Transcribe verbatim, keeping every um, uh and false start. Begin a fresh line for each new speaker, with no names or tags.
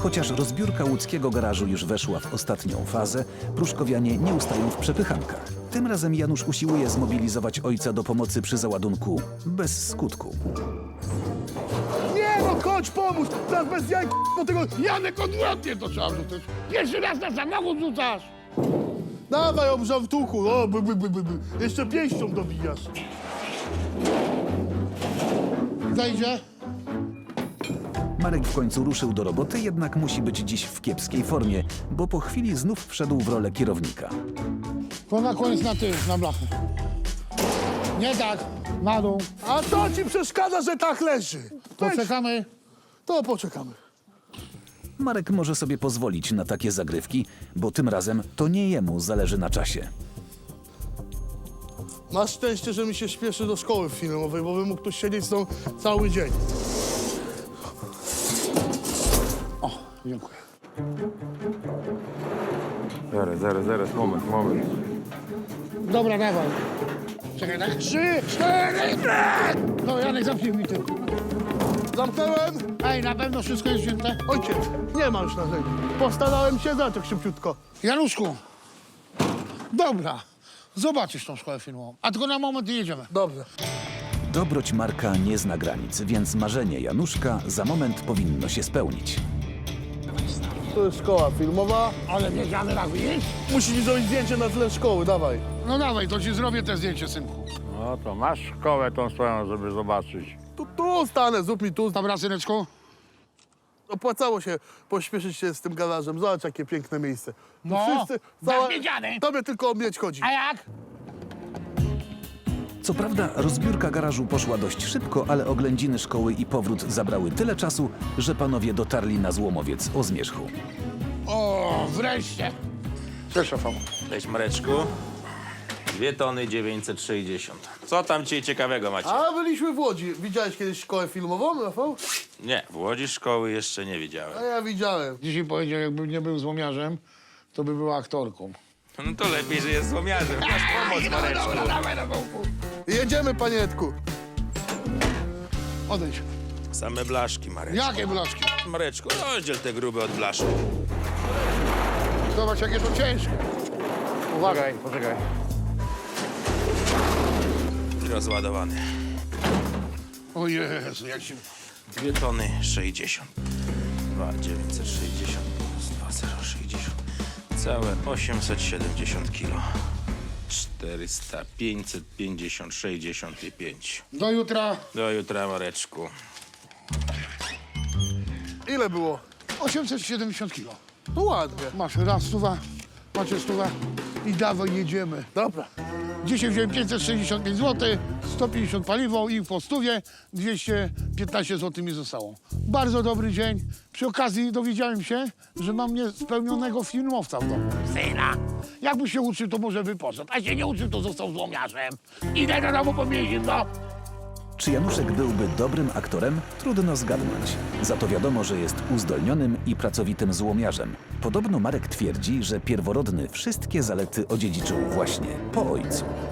Chociaż rozbiórka łódzkiego garażu już weszła w ostatnią fazę, pruszkowianie nie ustają w przepychankach. Tym razem Janusz usiłuje zmobilizować ojca do pomocy przy załadunku, bez skutku.
Nie no, chodź, pomóż! Teraz bez jaj, do tego...
Janek, odwrotnie to trzeba rzucać. Pierwszy raz na samochód rzucasz.
Dawaj, obrzał w tuchu, o, by, by, by, by, by. Jeszcze pięścią dobijasz.
Zajdzie?
Marek w końcu ruszył do roboty, jednak musi być dziś w kiepskiej formie, bo po chwili znów wszedł w rolę kierownika.
To na koniec na tył, na blachę. Nie tak, na dół.
A to ci przeszkadza, że tak leży. Weź,
Poczekamy.
to poczekamy.
Marek może sobie pozwolić na takie zagrywki, bo tym razem to nie jemu zależy na czasie.
Masz szczęście, że mi się śpieszy do szkoły filmowej, bo by mógł tu siedzieć z tą cały dzień.
O, dziękuję.
Zaraz, zaraz, zaraz, moment, moment.
Dobra, dawaj. Czekaj, tak? Trzy, cztery, pięć! No, Janek, zamknij mi tył.
Zamknąłem?
Ej, na pewno wszystko jest wzięte?
Ojciec, nie ma już narzędzi. Postarałem się za tak szybciutko.
Januszku, dobra, zobaczysz tą szkołę filmową. A tylko na moment nie jedziemy.
Dobrze.
Dobroć Marka nie zna granic, więc marzenie Januszka za moment powinno się spełnić.
To jest szkoła filmowa.
Ale wiedziany raz iść?
Musisz mi zrobić zdjęcie na tle szkoły, dawaj.
No dawaj, to ci zrobię te zdjęcie, synku.
No to masz szkołę tą swoją, żeby zobaczyć.
Tu, tu stanę, zrób mi tu.
Dobra, syneczku?
Opłacało się pośpieszyć się z tym garażem. Zobacz, jakie piękne miejsce. Tu
No, zawiedziany.
Tobie tylko o mieć chodzi.
A jak?
Co prawda rozbiórka garażu poszła dość szybko, ale oględziny szkoły i powrót zabrały tyle czasu, że panowie dotarli na złomowiec o zmierzchu.
O, wreszcie. Cześć, Rafał.
Cześć Mareczku. Dwie tony dziewięćset sześćdziesiąt. Co tam dzisiaj ciekawego macie?
A byliśmy w Łodzi. Widziałeś kiedyś szkołę filmową, Rafał?
Nie, w Łodzi szkoły jeszcze nie widziałem.
A ja widziałem.
Dzisiaj powiedział, jakby nie był złomiarzem, to by była aktorką.
No to lepiej, że jest złomiarzem. Masz pomoc, Mareczku.
Jedziemy, panietku.
Odejdź.
Same blaszki, Mareczku.
Jakie blaszki?
Mareczku, rozdziel te grube od blaszek.
Zobacz, jakie to ciężkie.
Uwaga, poczekaj.
I rozładowany.
O Jezu, jak się...
Dwie tony sześćdziesiąt. Dwa dziewięćset sześćdziesiąt plus dwa zero sześćdziesiąt. Całe osiemset siedemdziesiąt kilo. czterysta, pięćset pięćdziesiąt, sześćdziesiąt i pięć.
Do jutra.
Do jutra, Mareczku.
Ile było?
osiemset siedemdziesiąt kilo.
No ładnie.
Masz raz stuwa, macie stuwa i dawaj, jedziemy.
Dobra.
Dzisiaj wziąłem pięćset sześćdziesiąt pięć złotych, sto pięćdziesiąt paliwo i po stówie dwieście piętnaście złotych mi zostało. Bardzo dobry dzień. Przy okazji dowiedziałem się, że mam niespełnionego filmowca w domu. Syna, jakby się uczył, to może by poszedł, a się nie uczył, to został złomiarzem. Idę do domu po mięsino.
Czy Januszek byłby dobrym aktorem? Trudno zgadnąć. Za to wiadomo, że jest uzdolnionym i pracowitym złomiarzem. Podobno Marek twierdzi, że pierworodny wszystkie zalety odziedziczył właśnie po ojcu.